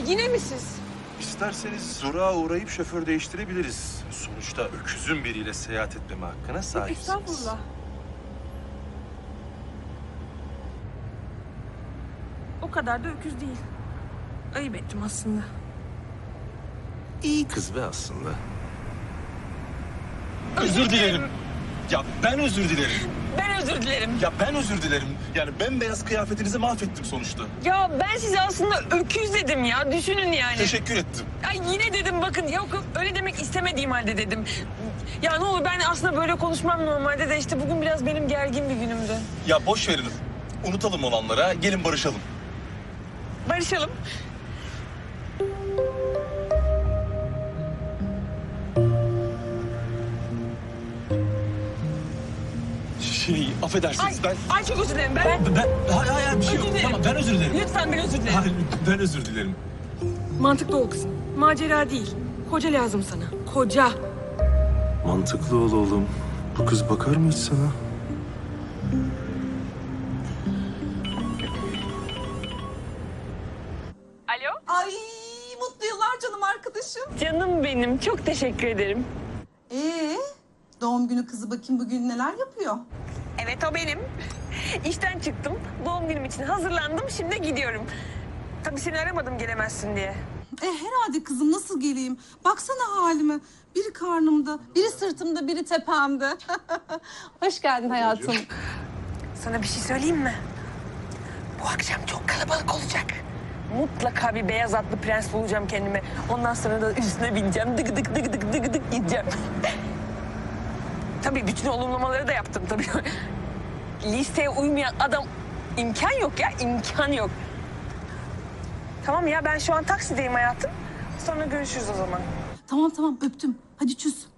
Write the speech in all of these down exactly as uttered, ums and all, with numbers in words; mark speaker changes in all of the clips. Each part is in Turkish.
Speaker 1: Yine mi siz?
Speaker 2: İsterseniz Zura uğrayıp şoför değiştirebiliriz. Sonuçta öküzün biriyle seyahat etmeme hakkına sahipsiniz.
Speaker 1: Estağfurullah. O kadar da öküz değil. Ayıp ettim aslında.
Speaker 2: İyi kız be aslında.
Speaker 3: Özür dilerim. Ya ben özür dilerim.
Speaker 1: Ben özür dilerim.
Speaker 3: Ya ben özür dilerim. Yani bembeyaz kıyafetinizi mahvettim sonuçta.
Speaker 1: Ya ben size aslında öküz dedim ya. Düşünün yani.
Speaker 3: Teşekkür ettim.
Speaker 1: Ay yine dedim bakın yok yok öyle demek istemediğim halde dedim. Ya ne olur ben aslında böyle konuşmam normalde de işte bugün biraz benim gergin bir günümdü.
Speaker 3: Ya boş verin. Unutalım olanlara. Gelin barışalım.
Speaker 1: Barışalım.
Speaker 3: Şey, affedersiniz
Speaker 1: Ay,
Speaker 3: ben...
Speaker 1: ay çok özür dilerim ben.
Speaker 3: Ben, ben hayır hayır bir şey
Speaker 1: Özür
Speaker 3: yok.
Speaker 1: dilerim.
Speaker 3: Tamam ben özür dilerim.
Speaker 1: Lütfen ben özür dilerim.
Speaker 3: Hayır ben özür dilerim.
Speaker 1: Mantıklı ol kızım. Macera değil. Koca lazım sana. Koca.
Speaker 2: Mantıklı ol oğlum. Bu kız bakar mı hiç sana?
Speaker 1: Alo?
Speaker 4: Ay mutlu yıllar canım arkadaşım.
Speaker 1: Canım benim. Çok teşekkür ederim.
Speaker 4: Ee, doğum günü kızı bakayım bugün neler yapıyor?
Speaker 1: Evet o benim. İşten çıktım. Doğum günüm için hazırlandım. Şimdi gidiyorum. Tabii seni aramadım gelemezsin diye.
Speaker 4: E herhalde kızım nasıl geleyim? Baksana halime. Biri karnımda, biri sırtımda, biri tepemde. Hoş geldin hayatım.
Speaker 1: Sana bir şey söyleyeyim mi? Bu akşam çok kalabalık olacak. Mutlaka bir beyaz atlı prens bulacağım kendime. Ondan sonra da üstüne bineceğim. Dık dık dık dık dık dık gideceğim. Tabii bütün olumlamaları da yaptım tabii. Listeye uymayan adam imkan yok ya, imkan yok. Tamam ya ben şu an taksideyim hayatım. Sonra görüşürüz o zaman.
Speaker 4: Tamam tamam öptüm. Hadi çüz.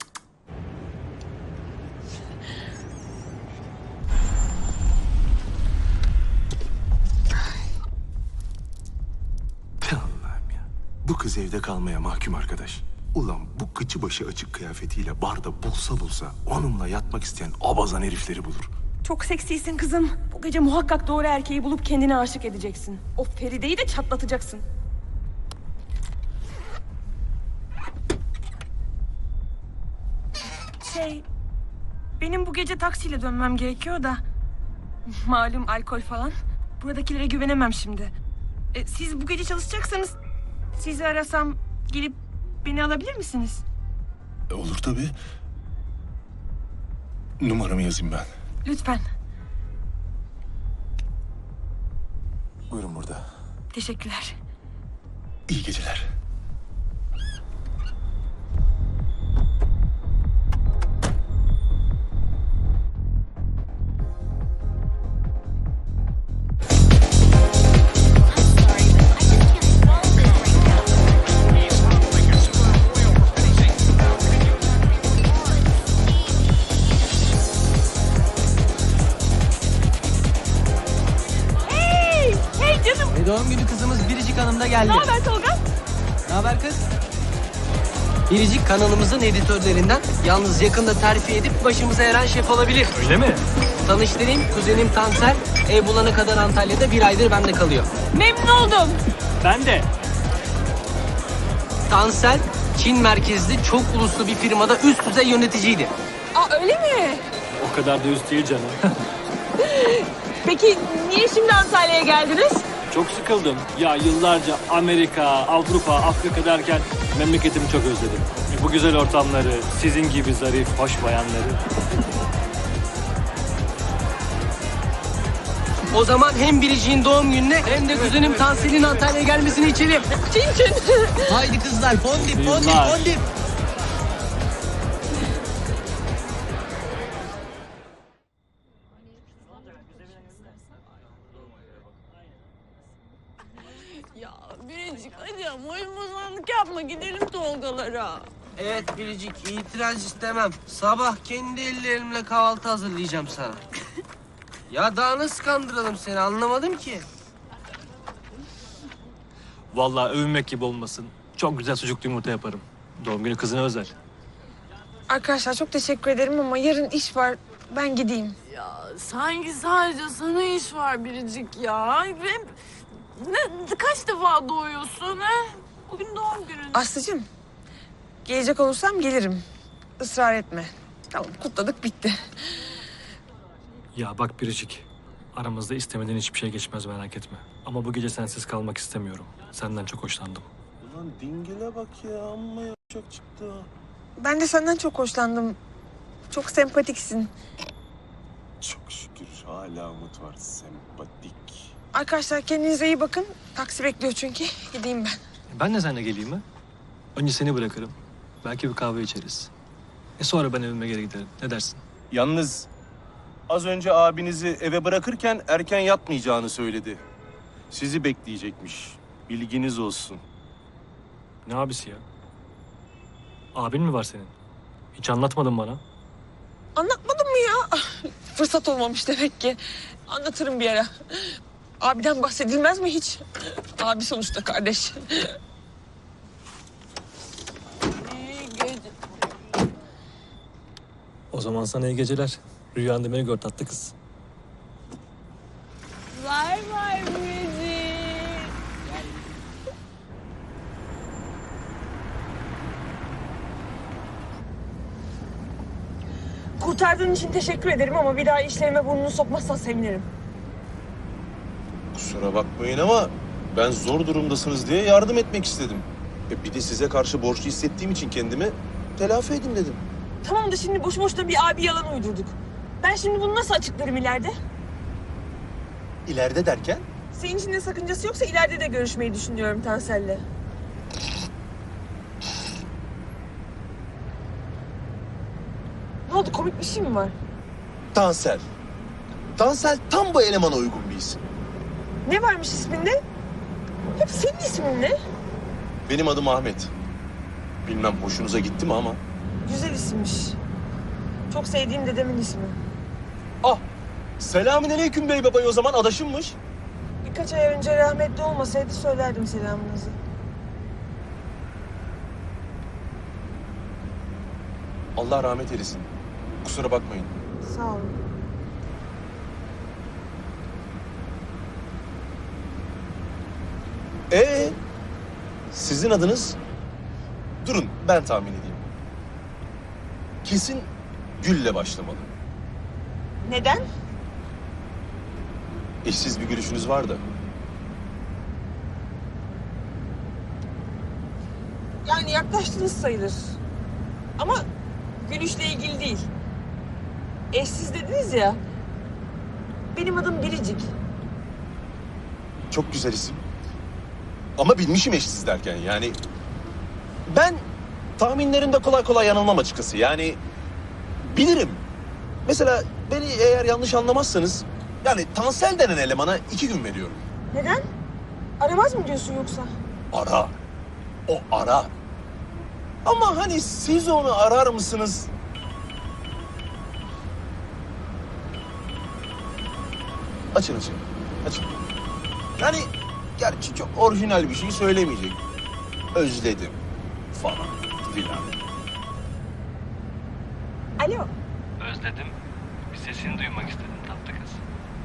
Speaker 2: Allah'ım ya. Bu kız evde kalmaya mahkum arkadaş. Ulan bu kıçı başı açık kıyafetiyle barda bulsa bulsa onunla yatmak isteyen abazan herifleri bulur.
Speaker 1: Çok seksisin kızım. Bu gece muhakkak doğru erkeği bulup kendine aşık edeceksin. O Feride'yi de çatlatacaksın. Şey, benim bu gece taksiyle dönmem gerekiyor da... Malum alkol falan. Buradakilere güvenemem şimdi. E, siz bu gece çalışacaksanız... Sizi arasam gelip beni alabilir misiniz?
Speaker 3: E, olur tabii. Numaramı yazayım ben.
Speaker 1: Lütfen.
Speaker 3: Buyurun burada.
Speaker 1: Teşekkürler.
Speaker 3: İyi geceler.
Speaker 5: Doğum günü kızımız Biricik Hanım da geldi.
Speaker 1: Ne haber Tolga?
Speaker 5: Ne haber kız? Biricik kanalımızın editörlerinden. Yalnız yakında terfi edip başımıza eren şef olabilir.
Speaker 6: Öyle mi?
Speaker 5: Tanıştırayım, kuzenim Tansel. Ev bulana kadar Antalya'da bir aydır bende kalıyor.
Speaker 1: Memnun oldum.
Speaker 6: Ben de.
Speaker 5: Tansel, Çin merkezli çok uluslu bir firmada üst düzey yöneticiydi.
Speaker 1: Aa öyle mi?
Speaker 6: O kadar da üst değil canım.
Speaker 1: Peki niye şimdi Antalya'ya geldiniz?
Speaker 6: Çok sıkıldım. Ya yıllarca Amerika, Avrupa, Afrika derken memleketimi çok özledim. Bu güzel ortamları, sizin gibi zarif, hoş bayanları.
Speaker 5: O zaman hem Biricik'in doğum gününe hem de kuzenim Tansel'in Antalya'ya gelmesini içelim.
Speaker 1: Çin çin.
Speaker 5: Haydi kızlar, fondip, fondip,
Speaker 6: Yıllar.
Speaker 5: fondip.
Speaker 7: Ya Biricik hadi ama oyun bozanlık yapma gidelim Tolgalara.
Speaker 5: Evet Biricik, itiraz istemem. Sabah kendi ellerimle kahvaltı hazırlayacağım sana. Ya daha nasıl kandıralım seni anlamadım ki.
Speaker 6: Vallahi övünmek gibi olmasın. Çok güzel sucuklu yumurta yaparım. Doğum günü kızına özel.
Speaker 1: Arkadaşlar çok teşekkür ederim ama yarın iş var. Ben gideyim.
Speaker 7: Ya sanki sadece sana iş var Biricik ya. Hem Ne, kaç defa doğuyorsun ha? Bugün doğum günün.
Speaker 1: Aslıcığım, gelecek olursam gelirim. Israr etme. Tamam, kutladık, bitti.
Speaker 6: Ya bak Biricik, aramızda istemeden hiçbir şey geçmez merak etme. Ama bu gece sensiz kalmak istemiyorum. Senden çok hoşlandım.
Speaker 3: Ulan dingile bak ya, amma yapacak çıktı ha.
Speaker 1: Ben de senden çok hoşlandım. Çok sempatiksin.
Speaker 3: Çok şükür hala umut var, sempatik.
Speaker 1: Arkadaşlar kendinize iyi bakın. Taksi bekliyor çünkü. Gideyim ben.
Speaker 6: Ben de seninle geleyim mi? Önce seni bırakırım. Belki bir kahve içeriz. E sonra ben evime geri giderim. Ne dersin?
Speaker 3: Yalnız az önce abinizi eve bırakırken erken yatmayacağını söyledi. Sizi bekleyecekmiş. Bilginiz olsun.
Speaker 6: Ne abisi ya? Abin mi var senin? Hiç anlatmadın bana.
Speaker 1: Anlatmadım mı ya? Fırsat olmamış demek ki. Anlatırım bir ara. Abiden bahsedilmez mi hiç? Abi sonuçta kardeş.
Speaker 7: İyi gece.
Speaker 6: O zaman sana iyi geceler. Rüyanda beni gör tatlı kız.
Speaker 7: Bay bay Biricik.
Speaker 1: Kurtardığın için teşekkür ederim ama bir daha işlerime burnunu sokmazsan sevinirim.
Speaker 3: Kusura bakmayın ama ben zor durumdasınız diye yardım etmek istedim. E bir de size karşı borçlu hissettiğim için kendimi telafi edin dedim.
Speaker 1: Tamam da şimdi boş boşuna bir abi yalan uydurduk. Ben şimdi bunu nasıl açıklarım ileride?
Speaker 3: İleride derken?
Speaker 1: Senin için de sakıncası yoksa ileride de görüşmeyi düşünüyorum Tansel'le. Ne oldu, komik bir şey mi var?
Speaker 3: Tansel. Tansel tam bu elemana uygun bir isim.
Speaker 1: Ne varmış isminde? Hep senin ismin ne?
Speaker 3: Benim adım Ahmet. Bilmem hoşunuza gitti mi ama.
Speaker 1: Güzel isimmiş. Çok sevdiğim dedemin ismi.
Speaker 3: Ah! Selamünaleyküm bey babayı o zaman adaşımmış.
Speaker 1: Birkaç ay önce rahmetli olmasaydı söylerdim selamınızı.
Speaker 3: Allah rahmet eylesin. Kusura bakmayın.
Speaker 1: Sağ olun.
Speaker 3: Ee, sizin adınız? Durun ben tahmin edeyim. Kesin Gül'le başlamalı.
Speaker 1: Neden?
Speaker 3: Eşsiz bir gülüşünüz var da.
Speaker 1: Yani yaklaştınız sayılır. Ama gülüşle ilgili değil. Eşsiz dediniz ya. Benim adım Biricik.
Speaker 3: Çok güzel isim. Ama bilmişim eşsiz derken yani. Ben tahminlerimde kolay kolay yanılmam açıkçası. Yani bilirim. Mesela beni eğer yanlış anlamazsanız yani Tansel denen elemana iki gün veriyorum.
Speaker 1: Neden? Aramaz mı diyorsun yoksa?
Speaker 3: Ara. O ara. Ama hani siz onu arar mısınız? Açın açın. Açın. Yani gerçi çok orijinal bir şey söylemeyecek. Özledim falan filan.
Speaker 1: Alo.
Speaker 6: Özledim. Bir sesini duymak istedim tatlı kız.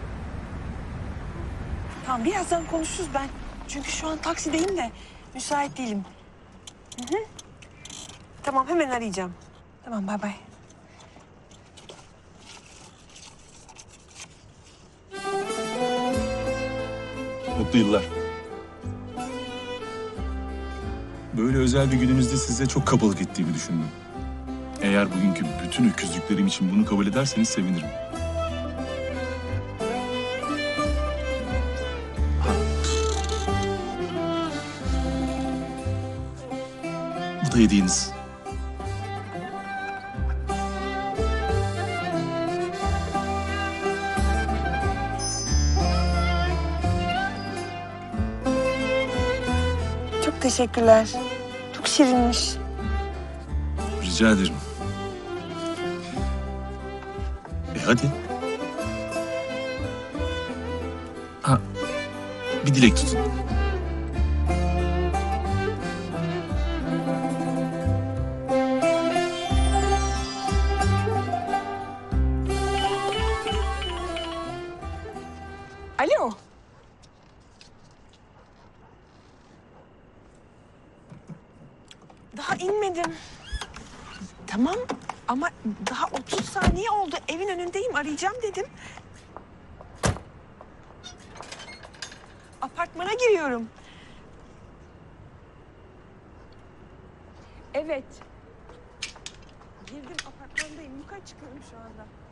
Speaker 1: Tamam, birazdan konuşuruz ben. Çünkü şu an taksideyim de müsait değilim. Hı hı. Tamam, hemen arayacağım. Tamam, bay bay.
Speaker 3: Mutlu yıllar.
Speaker 8: Böyle özel bir gününüzde size çok kabalık ettiğimi düşündüm. Eğer bugünkü bütün öküzlüklerim için bunu kabul ederseniz sevinirim. Bu da hediyeniz.
Speaker 1: Çok teşekkürler. Çok şirinmiş.
Speaker 8: Rica ederim. E hadi. Ha, bir dilek tutun.
Speaker 1: Alo. Daha inmedim. Tamam ama daha otuz saniye oldu. Evin önündeyim, arayacağım dedim. Apartmana giriyorum. Evet. Girdim, apartmandayım. Yukarı çıkıyorum şu anda.